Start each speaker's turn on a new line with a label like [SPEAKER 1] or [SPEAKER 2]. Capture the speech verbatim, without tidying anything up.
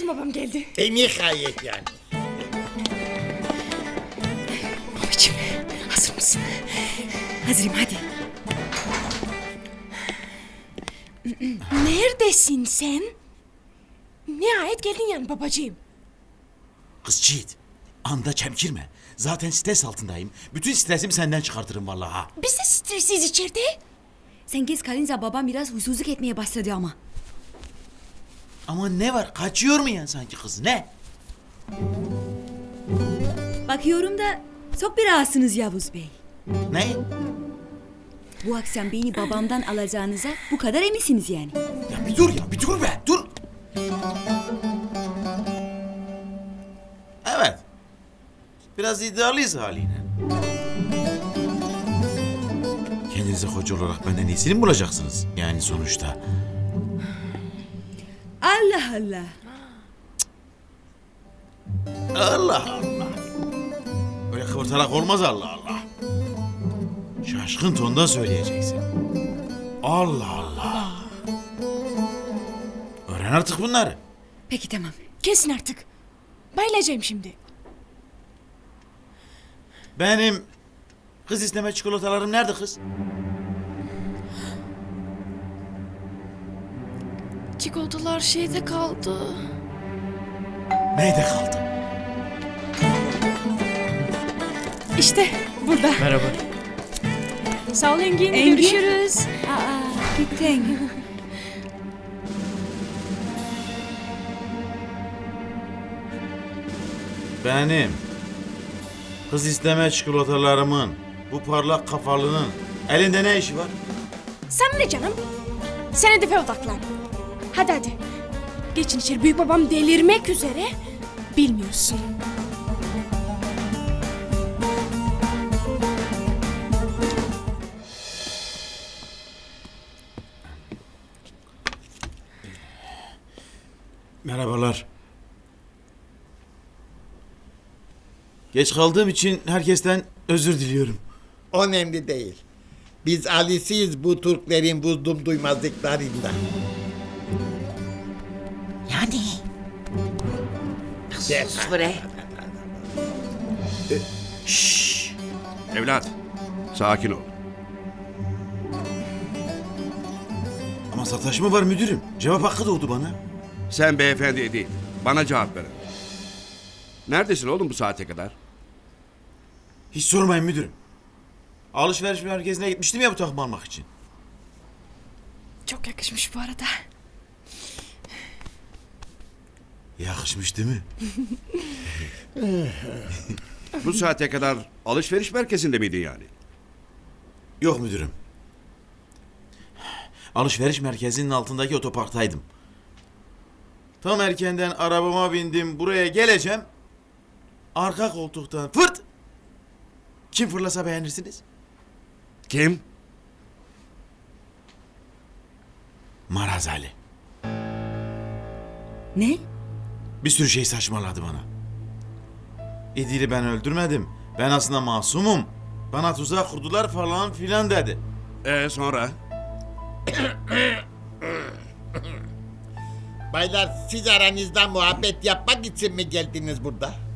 [SPEAKER 1] babam geldi.
[SPEAKER 2] E nihayet yani.
[SPEAKER 1] Babacığım hazır mısın?
[SPEAKER 3] Hazırım hadi.
[SPEAKER 1] Neredesin sen? Nihayet geldin yani babacığım.
[SPEAKER 4] Kız Çiğit, anda çemkirme. Zaten stres altındayım. Bütün stresimi senden çıkartırım vallahi ha.
[SPEAKER 1] Biz de stresiz içeride.
[SPEAKER 3] Sen geç kalınca babam biraz huysuzluk etmeye başladı ama.
[SPEAKER 4] Ama ne var? Kaçıyor mu yani sanki kız? Ne?
[SPEAKER 3] Bakıyorum da çok bir rahatsınız Yavuz Bey.
[SPEAKER 4] Ne?
[SPEAKER 3] Bu akşam beni babamdan alacağınıza bu kadar eminsiniz yani.
[SPEAKER 4] Ya bir dur ya, bir dur be, dur. Evet. Biraz iddialıyız haliyle. Kendinize koca olarak benden iyisini mi bulacaksınız? Yani sonuçta.
[SPEAKER 3] Allah Allah.
[SPEAKER 4] Allah Allah. Öyle kıvırtarak olmaz Allah Allah. Şaşkın tonda söyleyeceksin. Allah Allah. Öğren artık bunları.
[SPEAKER 3] Peki tamam.
[SPEAKER 1] Kesin artık. Bayılacağım şimdi.
[SPEAKER 4] Benim kız isteme çikolatalarım nerede kız?
[SPEAKER 1] Çikolatalar şeyde kaldı.
[SPEAKER 4] Neyde kaldı?
[SPEAKER 1] İşte burada.
[SPEAKER 2] Merhaba.
[SPEAKER 1] Sağ ol Engin.
[SPEAKER 3] Engin.
[SPEAKER 1] Görüşürüz.
[SPEAKER 3] Aa gittin.
[SPEAKER 4] Benim kız isteme çikolatalarımın bu parlak kafalının elinde ne işi var?
[SPEAKER 1] Sen ne canım? Sen hedefe odaklan. Hadi hadi. Geçin içeri. Büyük babam delirmek üzere. Bilmiyorsun.
[SPEAKER 4] Merhabalar. Geç kaldığım için herkesten özür diliyorum.
[SPEAKER 2] Önemli değil. Biz alisiyiz bu Türklerin vurdum duymazlıklarında.
[SPEAKER 5] Yani. Sus bre.
[SPEAKER 6] Evlat, sakin ol.
[SPEAKER 4] Ama sataşma var müdürüm. Cevap hakkı doğdu bana.
[SPEAKER 6] Sen beyefendi değil, bana cevap ver. Neredesin oğlum bu saate kadar?
[SPEAKER 4] Hiç sormayın müdürüm. Alışveriş merkezine gitmiştim ya bu takımı almak için.
[SPEAKER 1] Çok yakışmış bu arada.
[SPEAKER 4] Yakışmış değil mi?
[SPEAKER 6] Bu saate kadar alışveriş merkezinde miydin yani?
[SPEAKER 4] Yok müdürüm. Alışveriş merkezinin altındaki otoparktaydım. Tam erkenden arabama bindim, buraya geleceğim. Arka koltuktan fırt! Kim fırlasa beğenirsiniz?
[SPEAKER 6] Kim?
[SPEAKER 4] Maraz Ali.
[SPEAKER 3] Ne?
[SPEAKER 4] Bir sürü şey saçmaladı bana. İdil'i ben öldürmedim. Ben aslında masumum. Bana tuzak kurdular falan filan dedi.
[SPEAKER 6] Ee sonra?
[SPEAKER 2] Baylar siz aranızda muhabbet yapmak için mi geldiniz burada?